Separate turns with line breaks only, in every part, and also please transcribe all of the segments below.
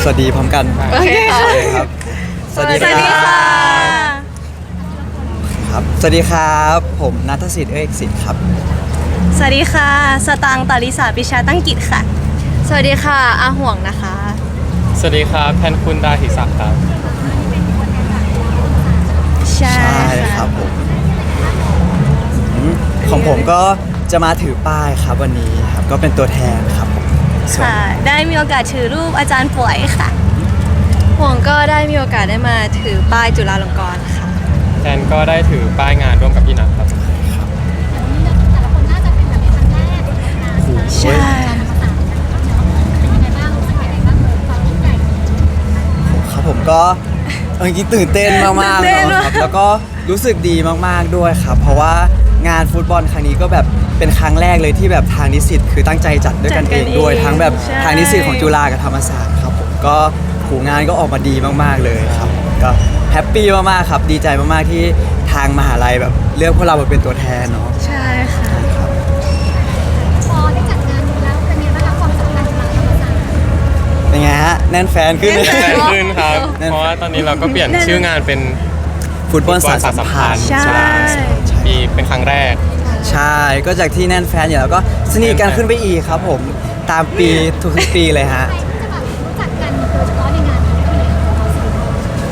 วัสดีพร้อมกัน
โอเคค่ะ
ครับ
สวัสดีค่ะ
ครับสวัสดีครับผมณัฐศิษย์เอกสิทธิ์ครับ
สวัสดีค่ะ สตางค์ตาลิสาปิชาตั้งกิจค่ะ สวัสดีค่ะอาห่วงนะคะ
สวัสดีครับแทนคุณดาหิศักดิ์ครับ
ใช่
ใช่ครับผมของผมก็จะมาถือป้ายครับวันนี้ครับก็เป็นตัวแทนครับผมส่วน
ค่ะ ได้มีโอกาสถือรูปอาจารย์ป่วยค่ะ ห่วงก็ได้มีโอกาสได้มาถือป้ายจุฬาลงกรณ์ค่ะ
แทนก็ได้ถือป้ายงานร่วมกับพี่นัทครับ
แต่ละคนน่าจะเป็นแบบครั้งแรกเลยนะ
ใช่
เป็นยังไงบ้างรู้สึกยังไงบ้างเลยความยิ่งใหญ่
ครับผมก็เอาจริงๆตื่นเต้นมากๆ
ตื่นเต้น
เนาะครับแล้วก็รู้สึกดีมากๆด้วยครับ เพราะว่างานฟุตบอลครั้งนี้ก็แบบเป็นครั้งแรกเลยที่แบบทางนิสิตคือตั้งใจจัดด้วยกันเองด้วยทั้งแบบ
ใช่
ทางนิสิตของจุฬากับธรรมศาสตร์ครับผมก็ผูงานก็ออกมาดีมากๆเลยครับก็แฮปปี้มากๆครับดีใจมากๆที่ทางมหาลัยแบบเลือกพวกเรามาเป็นตัวแทนเนาะ
ใช่ค่ะ
พอได้จัดงานนี้แล้วเป็นยังไงบ้างคะความสัมพันธ์ของเราธรรมศาสตร์
เป็นไงฮะแน่นแฟนขึ้นไหม
แฟนขึ้นครับ เพราะว่าตอนนี้เราก็เปลี่ยนชื่องานเป็น
ฟุตบอลสารสัมพันธ์
ใช่
ปีเป็นครั้งแรก
ใช่ก็จากที่แน่นแฟนอยู่แล้วก็สนิทกันขึ้นไปอีกครับผมตามปีทุกๆปีเลยฮะ
ใครที่จะแบบรู้จักกันโดยเฉพาะในงานนี้คือเราสี่คน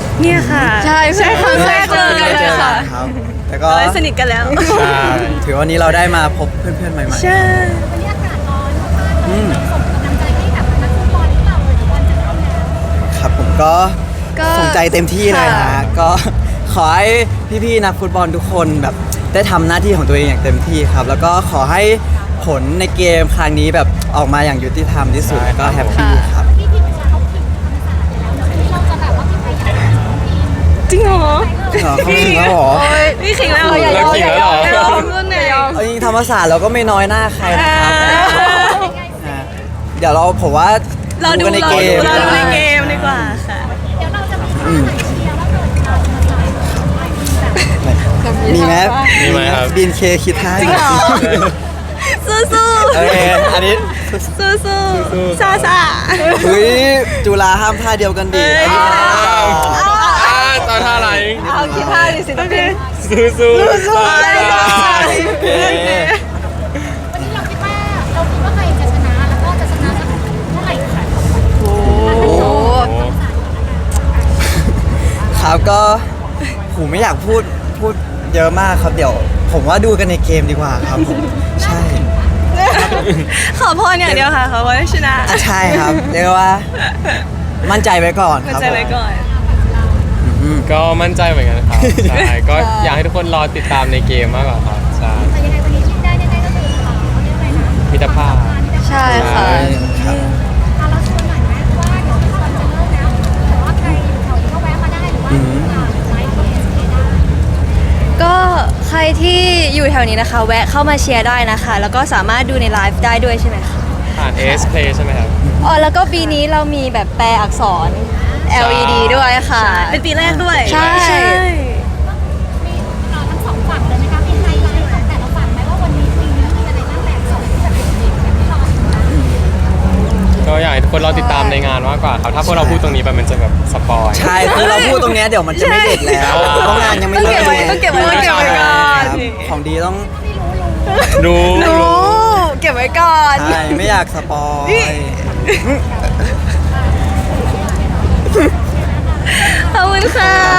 เนี่ยค่ะ ใช่ใช่ครั้งแรกเจอกันเลยค่ะ
ครับแต่ก็
เราได้สนิทกันแล้ว
ใช่
ถือวันนี้เราได้มาพบเพื่อนๆใหม่
ใช่
วันนี้อากาศร้อนมากๆเลยเราส่งกำลังใจให้กับนักฟุตบอลหรือเปล่าเลยบอลจะเริ่มแล้ว
ๆครับผมก็
ก็
สนใจเต็มที่เลย
ค่ะ
ฮะก็ขอให้พี่ๆนักฟุตบอลทุกคนแบบได้ทำหน้าที่ของตัวเองอย่างเต็มที่ครับ แล้วก็ขอให้ผลในเกมครั้งนี้แบบออกมาอย่างยุติธรรมที่สุดก็แฮปปี้ครับ
ที่ทีมชาเขาผิดธรรมศาสตร์ไปแล้วเนอะที่เราจะแบบว่าผิดไปอย่างไรทีม
จริงเหรอ
เหรอเขาถึงแล้วเหรอ
พี่ขิงแล้ว
เลิกขิงแล้วเหรอ
อย่ายอมรุ่นไหนยอม
เอาจริงๆธรรมศาสตร์เราก็ไม่น้อยหน้าใครนะครับฮะเดี๋ยวเราผมว่า
เราดู
กันใน
เรา
เก
ดู
ม
เราดูในเกมดีกว่าค่ะ
เดี๋ยวเราจะมีท่าไหนเชียร์ว่าเกิดเราธรรมศาสตร์
มีไหม
มีไหมครับ
บินเคคิดท่า
จริงเหรอ สู้
โอเคอันนี้
ๆสู้ๆซาซา
เฮ้ยจุฬาห้ามท่าเดียวกันดิอันนี้
ตอนท่าอะไร
เอาคิดท่าดิสิต้องเป็น
สู้สู้
สู้ๆ
โอเค
วันนี้เราคิดว่าใครจะชนะแล้วก็จะชนะสักเท่าไหร่คะ
โอ้โห
ครับก็ผมไม่อยากพูดเยอะมากครับเดี๋ยว ผมว่าดูกันในเกมดีกว่าครับผมใช่
ขอพรอย่างเดียวค่ะขอพรให้ชนะ
อ่ะใช่ครับเรียกว่า มั่นใจไว้ก่อน
มั่
คน รับ
ใจไว้ก่อน
ก็มั่นใจเหมือนกันครับใช่ก็อยากให้ทุกคนรอติดตามในเกมมากกว่าครับใช่
แต่ยังไงวันนี้ที่ได้ก็คือเขาเรียกอะไรนะ
มิตรภาพ
ใช่ค่ะ
ครับ
เราชวนหน่อยไหมว่าเดี๋ยวตอนจะเริ่มแล้วแต่ว่าใครอยู่แถวนี้ก็แวะมาได้หรือว่าไลฟ์ที่ SK ได้
ก็ใครที่อยู่แถวนี้นะคะ แวะเข้ามาเชียร์ได้นะคะ แล้วก็สามารถดูในไลฟ์ได้ด้วยใช่ไหมคะ
ผ่าน AS Play ใช่ไหมครับ
อ๋อแล้วก็ปีนี้เรามีแบบแปลอักษร LED ด้วยค่ะ เป็นปีแรกด้วย ใช่
มีทั้งสองฝั่งเลยไหมคะมีไฮไลท์ของแต่ละฝั่งไหมว่าวันนี้ปีนี้มีอะไรบ้างแบบสองที่แบบเด็กๆแบบที่เราอยู่นะ
ก็อยากให้ทุกคนรอติดตามในงานมากกว่าครับ ถ้าพวกเราพูดตรงนี้ไปมันจะแบบสปอย
ใช่คือเราพูดตรงเนี้ยเดี๋ยวมันจะไม่เด็ดแล้ว
ใช่
เพราะงานยังไม่เริ่ม
ต้องเก็บไว้ก่อน
ครับของดีต้อง
รู้
รู้เก็บไว้ก่อน
ใช่ไม่อยากสปอย
ขอบคุณค่ะ